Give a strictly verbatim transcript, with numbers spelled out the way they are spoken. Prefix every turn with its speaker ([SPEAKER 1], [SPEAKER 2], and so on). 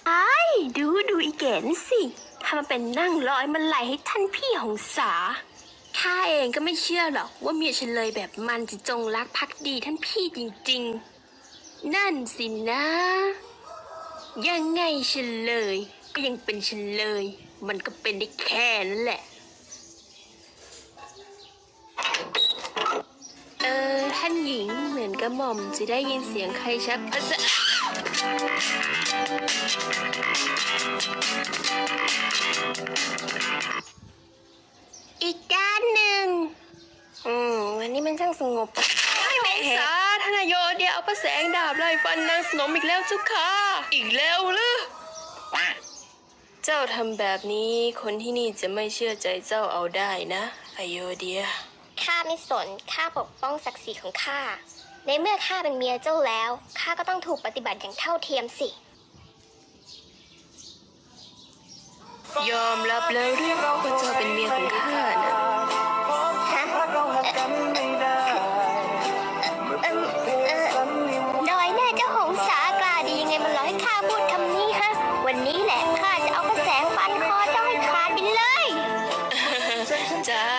[SPEAKER 1] ไอ้ดูดูอีแกนสิทำมาเป็นนั่งร้อยมันไหลให้ท่านพี่หงสาข้าเองก็ไม่เชื่อหรอกว่าเมียฉันเลยแบบมันจะจงรักภักดีท่านพี่จริงๆนั่นสินะยังไงฉันเลยก็ยังเป็นฉันเลยมันก็เป็นได้แค่นั้นแหละเออท่านหญิงเหมือนกระหม่อมจะได้ยินเสียงใครชักพระสะอีกด้านหนึ่งอืมวันนี้มันช่างสงบไม่หงสาธนายโยเดียเอาพระแสงดาบไล่ฟันนางสนมอีกแล้วจุกค่ะอีกแล้วหรือเจ้าทำแบบนี้คนที่นี่จะไม่เชื่อใจเจ้าเอาได้นะอโยเดีย
[SPEAKER 2] ข้าไม่สนข้าปกป้องศักดิ์ศรีของข้าในเมื่อข้าเป็นเมียเจ้าแล้วข้าก็ต้องถูกปฏิบัติอย่างเท่าเทียมสิ
[SPEAKER 1] ยอมรับแล้วเรียกว่าเจ้าเป็นเมียของข้านะ
[SPEAKER 2] ฮะเออเออน้อยแน่เจ้าหงสากล้าดียังไงมันหลอกให้ข้าพูดคำนี้ฮะวันนี้แหละข้าจะเอากระแสงฟันคอเจ้าให้ขาดไปเลย
[SPEAKER 1] จ้า